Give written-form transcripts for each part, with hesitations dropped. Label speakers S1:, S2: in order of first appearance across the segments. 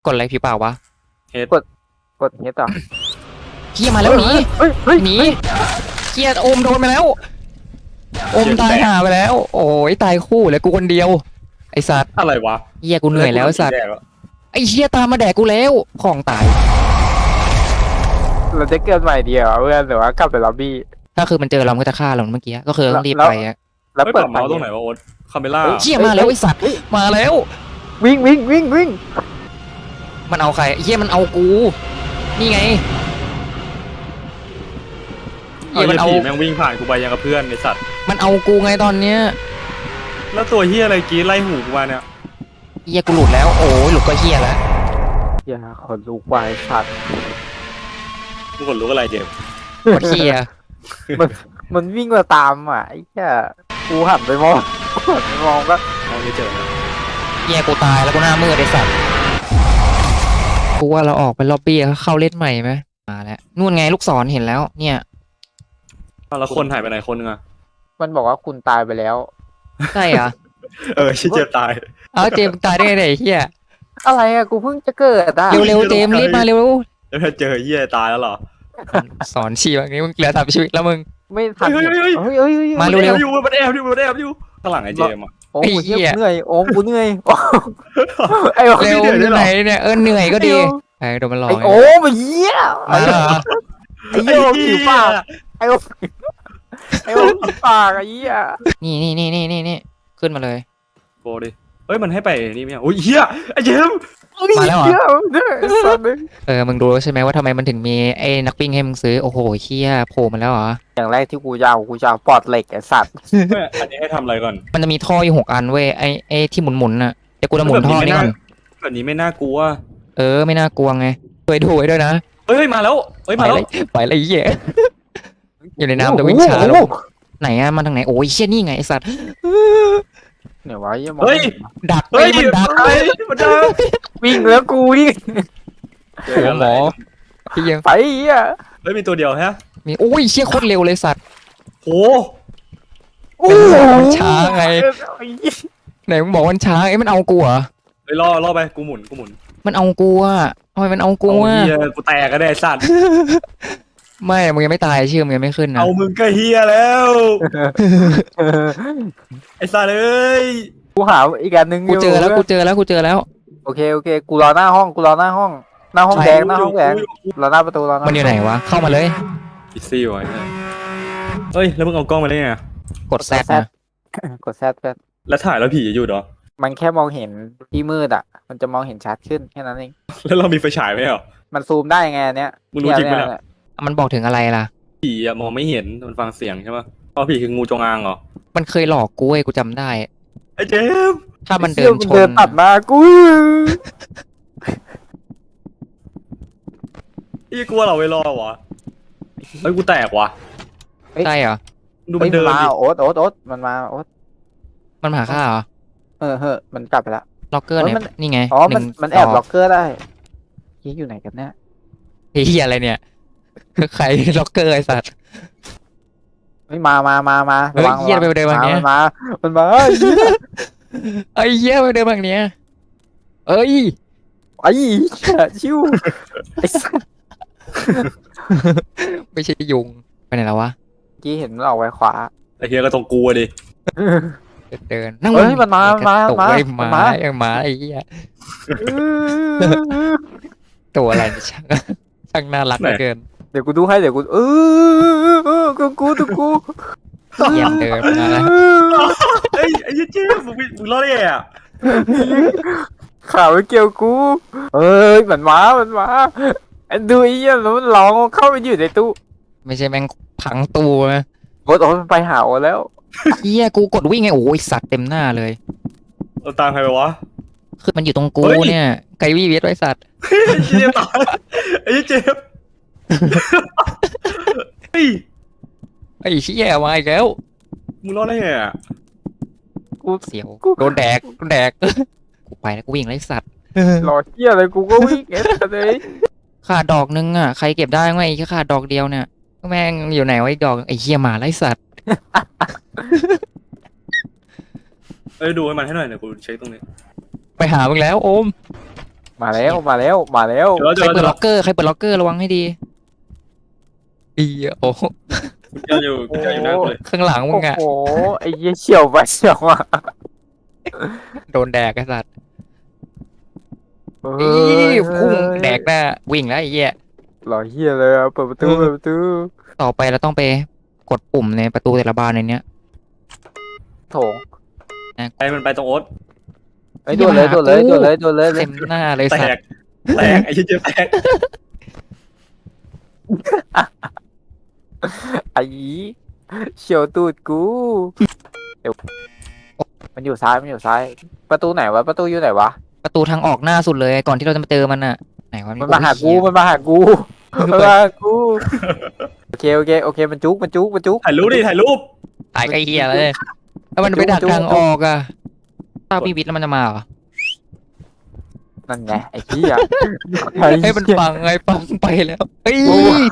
S1: กดอะไรผิวเปล่าวะ
S2: เฮ็ด
S3: กดเงี้ยต่อ
S1: เฮียมาแล้วหนี
S3: เฮ้ย
S1: หนีเฮียโอมโดนไปแล้วโอมตายห่าไปแล้ว โอ้ยตายคู่เลยกูคนเดียวไอสัตว์
S2: อะไรวะ
S1: เฮียกูเหนื่อยแล้วไอ้สัตว์ไอเฮียตามมาแดกกูแล้วของตาย
S3: เราจะเกิดใหม่เดียวเพื่อนหรือว่ากลับไปล็อบบี้
S1: ถ้าคือมันเจอเรามันก็จะฆ่าเราเมื่อกี้ก็คือต้องรีบไปอะ
S3: แล้ว
S2: เปิ
S3: เปิ
S2: ด
S3: ด
S2: เมาส์ตรงไหนวะโอ๊ตคาเมล่า
S1: เฮียมาแล้วไอสัตว์มาแล้ว
S3: วิ่งวิ่งวิ่งวิ่ง
S1: มันเอาใครเฮียมันเอากูนี่ไงเฮี
S2: เฮี
S1: ย
S2: ย
S1: มันเอา
S2: ผีแม่งวิ่งผ่านกูไปยังกับเพื่อนไอสัตว์
S1: มันเอากูไงตอนเนี้ย
S2: แล้วตัวเฮียอะไรกรีดไล่หูกูมาเนี่ย
S1: เฮียกูหลุดแล้วโอ้ยหลุดก็เฮียแล้ว
S3: อย่าขนลุกวายสัตว์
S2: มึงขนลุกอะไรเจมส์
S1: กดเฮีย
S3: มันวิ่งมาตามอ่ะไอ้แค่กูหันไปมองหันไปมองก็
S2: มองไม่เจอนะ
S1: เฮียกูตายแล้วกูหน้ามืดไอสัตว์กูว่าเราออกไปล็อบบี้เข้าเล่นใหม่ไหมมาแล้วนู่นไงลูกศรเห็นแล้วเนี่ย
S2: แล้วคนหายไปไหนคนนึงอะ
S3: มันบอกว่าคุณตายไปแล้ว
S1: ใช่เหรอ
S2: ชิเจมส์ตาย
S1: เอาเจมส์ตายได้ไงเนี่ยไอ้เฮีย
S3: อะไรอ่ะกูเพิ่งจะเกิดอ่ะ
S1: เร็วๆเจมส์รีบมาเร็ว
S2: แล้วถ้าเจอเฮียตายแล้วเหรอ
S1: สอนชีแบบนี้มึงเหลือ3 ชีวิตแล้วมึง
S3: ไม่ทัน
S2: เฮ้ย
S3: เฮ้ยเฮ้ย
S1: มา
S2: มัน
S1: เร็
S2: แอ
S1: ว
S2: บอยู่มันแอบอยู่มันแอบอยู่ข้างหลังไอ้เจมส์อะ
S3: โอ้
S1: ไอ้
S3: กู
S1: เหี้ย
S3: เหนื่อยโอ้กูเหนื่อยไอ้โอ้
S1: เร็ว
S2: เหนื่อยด้วยเหรอ
S1: ไหนเนี่ยเหนื่อยก็ดีไอ้โดนมันหลอก
S3: ไอ้โอ้มาเยี่ย
S1: มาเหรอ
S3: ไอ้โอ้ผิวปากไอ้โอ้ไอ้โอ้ผิวปากไอ้เหี้ย
S1: นี่ขึ้นมาเลย
S2: โบดิเฮ้ยมันให้ไปนี่ไหมอ่ะโอ้ยเฮียไอ้เจมส์
S1: มาแล้วเหรอ
S3: เหี้ยเนี่ยไอ้สัตว์เลย
S1: มึงรู้ใช่ไหมว่าทำไมมันถึงมีไอ้นักปิ้งให้มึงซื้อโอ้โหเฮียโผล่มาแล้วเหรอ
S3: อย่างแรกที่กูจะเอาปอดเหล็กไอ้สัตว์
S2: อันนี้ให้ทำอะไรก่อน
S1: มันจะมีท่ออยู่6 อันเว้ยไอ้ที่หมุนๆน่ะเดี๋ยวกูจะหมุนท่อนี่ก่อน
S2: แบบนี้ไม่น่ากลัว
S1: ไม่น่ากลัวไงช่วยดูไว้ด้วยนะ
S2: เฮ้ยมาแล้วเฮ้ย
S1: ไป
S2: มาแล้ว
S1: เลยไปเลยเฮียอยู่ในน้ำแต่วิ่งช้าลงไหนอะมันทางไหนโอ้ยเชี่ยนี่ไงไอสัตว์
S3: เนี่ยวะยังมอง
S2: เฮ้ย
S1: ดัก
S2: เฮ้ย
S1: มันดัก
S2: เฮ้ยมันดัก
S3: วิ่งแล้วกูวิ่ง
S1: โอ้โหหมอพี่ยัง
S3: ไปเหี้ย
S2: เฮ้ยมีตัวเดียวฮะ
S1: มีโอ้ยเชี่ยโคตรเร็วเลยสัตว์
S2: โห
S1: เป็นมันช้าไง
S3: ไอ้เหี้ย
S1: ไหนมึงบอกมันช้าไอ้มันเอากูเหรอ
S2: เฮ้ยล่อไปกูหมุน
S1: มันเอากูอะทำไมมันเอากู
S2: เอา
S1: อะ
S2: เฮียกูแตกก็ได้สัตว์
S1: ไม่มึงยังไม่ตายชื่อมึงยังไม่ขึ้นนะ
S2: เอามึงก็เฮียแล้วไอ้สัตว์เอ้ย
S3: กูหาอีกอันหนึ่ง
S1: กูเจอแล้วกูเจอแล้ว
S3: โอเคกูรอหน้าห้องหน้าห้องแดงรอหน้าประตูรอหน้า
S1: มันอยู่ไหนวะเข้ามาเลย
S2: อีซี่วะเฮ้ยแล้วมึงเอากล้องมาได้ไง
S1: กดแซดนะ
S3: กดแซดเพื่อน
S2: แล้วถ่ายแล้วผีจะอยู่เหรอ
S3: มันแค่มองเห็นที่มืดอ่ะ มันจะมองเห็นชัดขึ้นแค่นั้นเอง
S2: แล้วเรามีไฟฉายไหมเหรอ
S3: มันซูมได้ไงอันเนี้ย
S2: มึงรู้จริงปะเนี่ย
S1: มันบอกถึงอะไรล่ะ
S2: ผีอะมองไม่เห็นมันฟังเสียงใช่ปะเพราะผีคืองูจงอางเหรอ
S1: มันเคยหลอกกูเว้ยกูจำได้
S2: ไอ้เจมส์
S1: ถ้ามันเดินช
S3: เดิน
S1: น
S3: ตัดมากู
S2: อีกลัวเราไม่รอดวะเฮ้ยกูแตกว่ะ
S1: ใช่เหรอ
S2: ดูมันเดิน
S3: มา
S2: ดิ
S3: โอ๊ตมันมาโอ๊ต
S1: มันมาหาข้าเหรอ
S3: เฮ้ยมันกลับไปละ
S1: ล็อกเกอร์เนี่ย
S3: มัน
S1: นี่ไง
S3: อ๋อมันแอบ
S1: 1
S3: ล็อกเกอร์ได้ยี่อยู่ไหนกันเนี่ย
S1: เฮียอะไรเนี่ย ใครล็อกเกอร์ไอสัตว์
S3: ไม่มา
S1: เฮ้ยเหี้ยไปเดินมาอย่างเงี้ย
S3: มันมา
S1: ไอ้เฮียไปเดินแบบเนี้ยเอ้ย
S3: ไอ้ชิวไอ้สัส
S1: ไม่ใช่ยุงไปไหนแล้ววะ
S3: กี้เห็นมันออกไปขวา
S2: ไอ้เฮียก็ต้องกลัวดิ
S1: เดินนั่ง
S3: เฮ้ยมันมา
S1: ตกไว้มาไอ้เหี้ยตัวอะไรเนี่ยช่างน่ารักเหลือเกิน
S3: เดี๋ยวกูดูให้เดี๋ยวกูกู
S1: เยี่ยมเดินมาแล้ว
S2: เฮ้ยไอ้เจมส์มึงรอดได้ไงอ่ะ
S3: ข่าวไม่เกี่ยวกูเอ้ยมันมาดูไอ้เหี้ยแล้วมันร้องเข้าไปอยู่ในตู้
S1: ไม่ใช่แม่งพังตู้นะ
S3: โอ๊ตมันไปหาโอ๊ตแล้ว
S1: เฮียกูกดวิ่งไงโอ้ยสัตว์เต็มหน้าเลย
S2: เราตามใครไปวะ
S1: คือมันอยู่ตรงกู
S2: เฮ้ย
S1: เนี่ยไกวี่เวทไว้สัตว์
S2: ไอ้เจมส์ตายไอ้เจมส์เฮ้ย
S1: ไอ้เชี่ยมาอีกแล้ว
S2: มึงรอดได้ไงอ่ะ
S1: เสียวโดนแดกกูไปแล้วกูวิ่งไล่สัตว์
S3: รอเหี้ยอะไรกูก็วิ่งเอ๊ะเลย
S1: ขาดดอกนึงอ่ะใครเก็บได้ไหมไอ้แค่ขาดดอกเดียวเนี่ยแม่งอยู่ไหนวะอีกดอกไอ้เฮียหมาไล่สัตว์
S2: เอ้ยดูให้มันให้หน่อยเดี๋ยวกูเช็คตรงนี้
S1: ไปหามึงแล้วโอม
S3: มาแล้วมาแล้วมาแล้ว
S2: เดี๋ยว
S1: ใคร
S2: เดี๋ยว
S1: เปิดล็อกเกอร์ใครเปิดล็อกเกอร์ระวังให้ดีอีโอ้โห
S2: เดี๋ยวอยู่เดี๋ยวอยู่หน้ากูเลย
S1: ข้างหลังมึ
S3: โอ้
S1: งอะ
S3: โหไอ้เหี้ยเฉียวไปเฉียวมา
S1: โดนแดกไอ้สัตว์
S3: เฮ้
S1: อี
S3: ย
S1: พุ่งแดกหน้าวิ่งแล้วไอ้เหี้ย
S3: หล่อเหี้ยเลยอะเปิดประตูเปิดประตู
S1: ต่อไปเราต้องไปกดปุ่มในประตูแต่ละบานในเนี้ย
S3: โถง
S2: ไปมันไปตรงโอ๊ต
S3: ไอ้ยโดนเลยโดนเลยโดนเลยโดนเลย
S1: เต็มหน้าเลย
S2: แต
S1: สัต
S2: ก
S1: ว์
S2: แตกไอ้เหี้ยแตก
S3: ไอ้เฉียวตูดกูเดี๋ยวมันอยู่ซ้ายมันอยู่ซ้าย ประตูไหนวะประตูอยู่ไหนวะ
S1: ประตูทางออกหน้าสุดเลยก่อนที่เราจะมาเจอมันอะไหนวะ
S3: มันมาหากูมันมาหากูมันมาหากูโอเคโอเคโอเคมันจุกมันจุกมันจุก
S2: ถ่ายรูปดิถ่ายรูป
S1: ตายไอ้เหี้ยเลยแล้วมันไปดักทางออกอะถ้ามีวิทย์แล้วมันจะมาเหรอ
S3: นั่นไงไอ้เหี้ย
S1: เฮ้ยมันปังไงปังไปแล้วเฮ้ย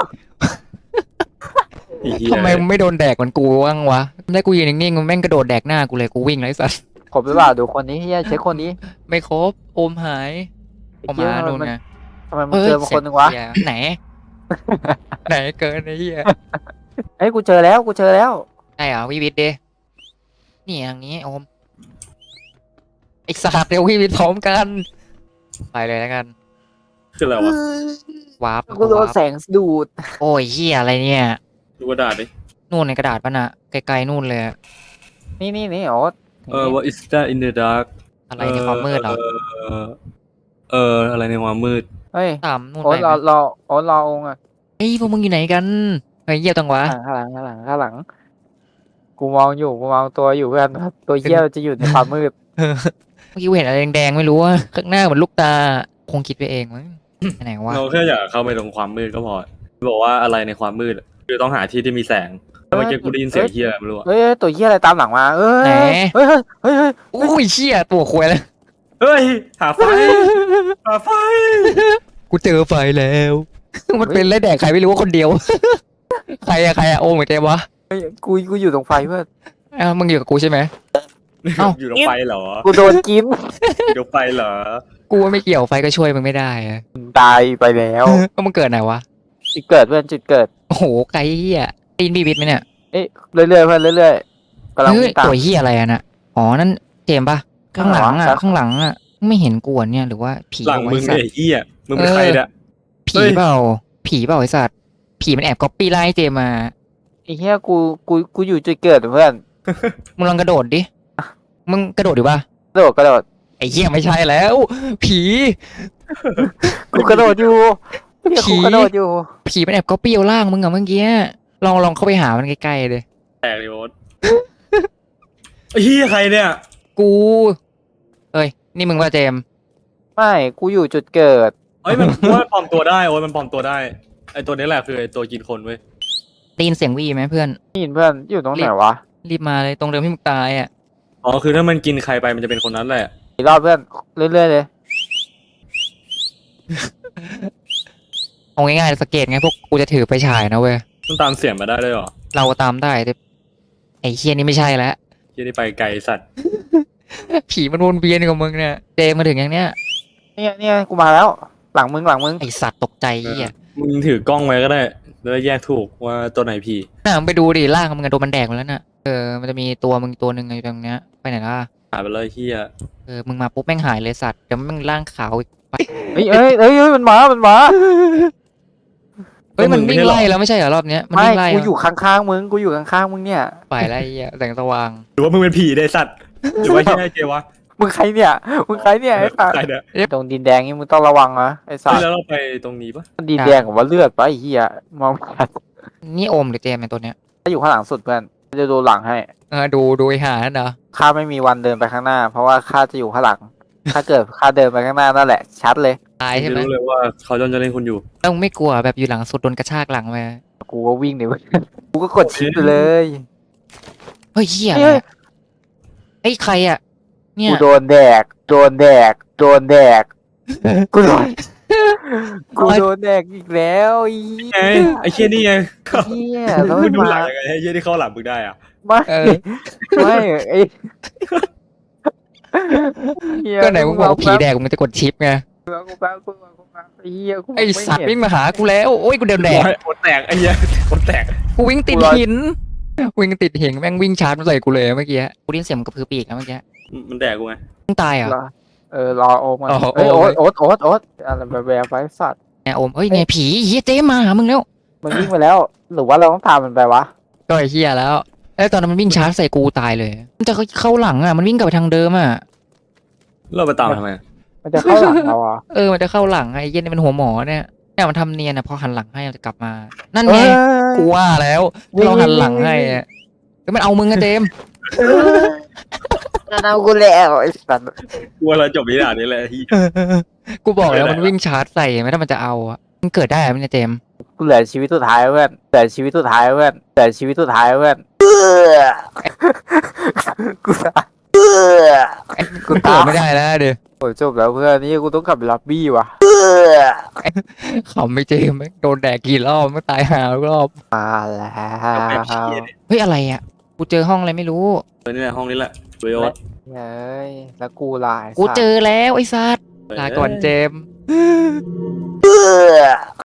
S2: ไอ้เหี้ย
S1: ทำไมมันไม่โดนแดกเหมือนกูบ้างวะได้กูยืนนิ่งๆมันแม่งกระโดดแดกหน้ากูเลยกูวิ่งไรสัส
S3: ครบหรือเปล่าดูคนนี้เฮียเช็คคนนี้
S1: ไม่ครบโอมหายโอมมาโดนไง
S3: ทำไมมึงเจอมาคนหนึงวะ
S1: เสียไหน ไหนเกินไอ้เหี้ย
S3: เอ้ยกูเจอแล้วกูเจอแล้ว
S1: ใช่เหรอวิวิทย์ดินี่ทางนี้โอมไอ้สัตว์เดี๋ยววิวิทย์พร้อมกัน ไปเลยแล้วกัน
S2: คืออะไรวะ
S1: วาร์ป
S3: กูโดน
S1: วาร์ป
S3: แสงดูด
S1: โอ้ยเหี้ยอะไรเนี่ย
S2: ดูกระดาษดิ
S1: นู่นในกระดาษป่ะน่ะไกลๆนู่นเลยอะ
S3: นี่โอ๊ต
S2: what is that in the dark
S1: อะไรในความมืดเหรอ
S2: อะไรในความมืด
S3: เฮ้ย
S1: ตามนู่น
S3: โอ๊
S1: ไป
S3: ต
S1: ไหม
S3: รอโอ๊ตรอองค์อ่ะ
S1: เฮ้ยพวกมึงอยู่ไหนกันเฮ้ยเยี่ยตังวะ
S3: ข้างหลังข้างหลังข้างหลังกูมองอยู่กูมองตัวอยู่เพื่อนตัวเหี้ยจะอยู่ในความมืด
S1: เมื่อกี้กูเห็นอะไรแดงๆไม่รู้ว่าข้างหน้าเหมือนลูกตาคงคิดไปเองมั้งไปไหนวะ
S2: เราแค่อยากเข้าไปตรงความมืดก็พอบอกว่าอะไรในความมืดคือต้องหาที่ที่มีแสงเมื่อกี้กูได้ยินเสียงเฮียไม่รู้อะ
S3: เฮ้ยตัวเหี้ยอะไรตามหลังมาเอ้ย
S1: ไหน
S3: เฮ้ยเฮ้ยเฮ้ยเฮ้ย
S1: อุ้ยเชี่ยตัวควยแล้ว
S2: เฮ้ยหาไฟหาไฟ
S1: กูเจอไฟแล้ว มันเป็นไรแดกใครไม่รู้ว่าคนเดียว ใครอะโอ้เหมือนเจมวะ
S3: กูอยู่ตรงไฟเพื่อน
S1: อ้าวมึงอยู่กับกูใช่ไหม เอ้า
S2: อยู่ตรงไฟเหรอ
S3: กูโดนกิน
S2: อยู่ตรงไฟเหรอ
S1: กูว่าไม่เกี่ยวไฟก็ช่วยมึงไม่ได้อะ
S3: ตายไปแล้ว
S1: ก็มึงเกิดไหนวะ
S3: จุดเกิดเพื่อนจุดเกิด
S1: โอ้โหไกลเหี้ยได้ยินบีบิดไหมเนี่ย
S3: เอ้ยเรื่อยๆเพื่อนเรื่อยๆกำลัง
S1: เฮ้ย
S3: วิ่งตาม
S1: ตัวเหี้ยอะไรอะน่ะอ๋อนั่นเจมปะข้างหลังอะ
S3: ครับ
S1: ข้างหลังอะไม่เห็นกูอะเนี่ยหรือว่าผี
S2: หลัง
S1: เอา
S2: มึ
S1: ไว้
S2: ง
S1: สัต
S2: เนี่ย
S1: ว์
S2: เฮียมึงเป็นใครเนี่ย
S1: ผีเปล่าผีเปล่าไอ้สัตว์ผีมันแอบก๊อปปี้ไล่เจมมา
S3: ไอ้เหี้ยกูอยู่จุดเกิดเพื่อน
S1: มึงลองกระโดดดิมึงกระโดดดิปะ
S3: กระโดด
S1: ไอ้เหี้ยไม่ใช่แล้ว ผี
S3: กูกระโดดอยู่เหี้ย
S1: ผี
S3: กูกระโดดอยู่
S1: ผีมันแอบก๊อปปี้เอาล่างมึงอะเมื่อกี้ลองเข้าไปหามันใกล้ๆเลย
S2: แตกเลยโอ๊ตเฮียใครเนี่ย
S1: กูเอ้ยนี่มึงว่าเจม
S3: ไม่กูอยู่จุดเกิด
S2: เฮ้ยมันว่าปลอมตัวได้โอ๊ตมันปลอมตัวได้ไอตัวนี้แหละคือไอตัวกินคนเว้ย
S1: ได้ยินเสียงวีไหมเพื่อน
S3: นี่เพื่อนอยู่ตรงไหนวะ
S1: รีบมาเลยตรงเดิมที่มึงตายอ่ะ
S2: อ๋อคือถ้ามันกินใครไปมันจะเป็นคนนั้นแหละ
S3: อีกรอบเพื่อนเรื่อยๆเลย
S1: เอาง่ายๆสังเกตไงพวกกูจะถือไปฉายนะเว้ย
S2: มันตามเสียงมาได้ด้วยเหรอ
S1: เราตามได้แต่ไอ้เฮียนี่ไม่ใช่แล้ว
S2: เฮียนี่ไปไกลสัตว์
S1: ผีมันวนเวียนกับมึงเนี่ยเจมมาถึงอย่างเนี้ย
S3: เนี่ยกูมาแล้ว หลังมึง
S1: ไอสัตว์ตกใจเฮีย
S2: มึงถือกล้องไว้ก็ได้แล้วแยกถูกว่าตัวไหนผี
S1: น่ามึงไปดูดิล่างมึงอะโดนมันแดกหมดแล้วน่ะมันจะมีตัวมึงตัวหนึ่งอยู่ตรงเนี้ยไปไหนล่ะ
S2: หายไปเลยเฮีย
S1: มึงมาปุ๊บแม่งหายเลยสัตว์เดี๋ยวแม่งร่างขาวอีกไป
S3: เอ้ยมันมา
S1: เฮ้ยมันวิ่งไล่แล้วไม่ใช่เหรอรอบเนี้ยมัน
S3: ไม่
S1: วิ่งไล่
S3: กูอยู่ข้างๆมึงเนี่ย
S1: ไปไล่เฮียแสงสว่าง
S2: หรือว่ามึงเป็นผีได้สัตว์หรือว่าที่ไอ้เจวะ
S3: มึงใครเนี่ยไอ้สัส
S2: ใครเนี่ย
S3: ตรงดินแดงนี่มึงต้องระวังนะไอ้สัส
S2: แล้วเราไปตรงนี้ปะ
S3: ดินแดงกับว่าเลือดปะไอ้เหี้ยมองไม่ชัด
S1: นี่โอมหรือเจมเนี่ยตัวเนี้ย
S3: ถ้าอยู่ข้างหลังสุดเพื่อนจะดูหลังให้
S1: ดูไอ้หานั่นเหรอ
S3: ข้าไม่มีวันเดินไปข้างหน้า เพราะว่าข้าจะอยู่ข้างหลัง ถ้าเกิดข้าเดินไปข้างหน้านั่นแหละ ชัดเลย
S1: ตายใช่ไหม
S2: รู้เลยว่าเขาจะเล่นคุณอยู่
S1: แล้วมึงไม่กลัวแบบอยู่หลังสุดโดนกระชากหลังมา
S3: กูก็วิ่งเลยเว้ยกูก็กดชิปไปเลย
S1: เฮ้ยเหี้ย
S3: เฮ้ย
S1: ไอ้ยใครอ่ะเนี่ย
S3: กูโดนแดกกูโดนกูโดนแดกอีกแล้วไอ้
S2: ไงไอ้เชี่ยนี่ไง
S3: เหี้ยแล้ว
S2: มึ
S3: มั
S2: ง
S3: น
S2: ดูหลั
S3: มาง
S2: ยังไงให้เชี่ยที่เข้าหลังมึงได้อ่ะ
S3: ไม่ไม่ไอ้เหี้ย
S1: ก็ไหนมึงบอกว่าผีแดกมึงจะกดชิปไง
S3: กูแป๊บไอ้เหี้ยกู
S1: ไอ
S3: ไม่
S1: สัตว์
S3: เห็น
S1: วิ่งมาหากูแล้วโอ้ยกูเดินแดก
S2: โคตรแตกไอ้เหี้ยโคตรแตก
S1: กูวิ่งติด
S3: กูรอ
S1: หินวิ่งติดหินแม่งวิ่งชาร์จมาใส่กูเลยเมื่อกี้กูได้ยินเสียงมันกระพือปีกนะเมื่อกี้
S2: มันแตกกูไง
S1: มึงตายเหรอ
S3: รอโอมมัน
S1: อ๋อ
S3: เอ้ย
S1: โอม
S3: โอ๊ตอะไรแบบไปสัตว์
S1: แนโอมเอ้ยไงผีเฮียเจ๊มาหามึงแล้ว
S3: มันวิ่งไปแล้ว หรือว่าเราต้องตามมันไปวะ
S1: ก็ไอ้เฮียแล้วไอ้ยตอนนั้นมันวิ่งชาร์จใส่กูตายเลยมันจะเข้าหลังอ่ะมันวิ่งกลับไปทางเดิมอ่ะ
S2: เราไปตามทำไม
S3: มันจะเข้าหลังเราอ่ะ
S1: มันจะเข้าหลังไอ้เหี้ย็นนี่มันหัวหมอเนี่ยมันทำเนียนอ่ะพอหันหลังให้มันจะกลับมา นั่น
S3: เอ้
S1: ไง
S3: ย
S1: กูว่าแล้วเราหันหลังให้อะแล้วมันเอามึงอะเจมส์
S3: เอากูแล้วไอ้สัตว์
S2: กูว่าเราจบนิทานนี้แหละที่
S1: กูบอกแล้ว
S2: ไม่ได้
S1: มันวิ่งชาร์จใส่ไหมถ้ามันจะเอาอะมันเกิดได้ไหมเนี่ยเจมส์
S3: กูเหลือชีวิตสุดท้ายเพื่อนเหลือชีวิตสุดท้ายเพื่อนเหลือชีวิตสุดท้ายเพื่อนกูตาย กู
S1: มัน
S3: ตาย
S1: เกิดไม่ได้แล้วเดี๋ยว
S3: โอ้ยจบแล้วเพื่อนนี่กูต้องกลับไปล็อบบี้ว่ะ
S1: ขำไม่เจมส์แม่งโดนแดกกี่รอบไม่ตายหาทุกรอบ
S3: มาแล้ว
S2: แบบเชี่ยเนี่ย
S1: เฮ้ยอะไรอ่ะกูเจอห้องอะไรไม่รู้
S2: นี่แหละห้องนี้แหละเวยโอส
S3: เฮ้ยแล้วกูลาย
S1: กูเจอแล้วไอ้สัตว์ลาก่อนเจมส์
S3: เออ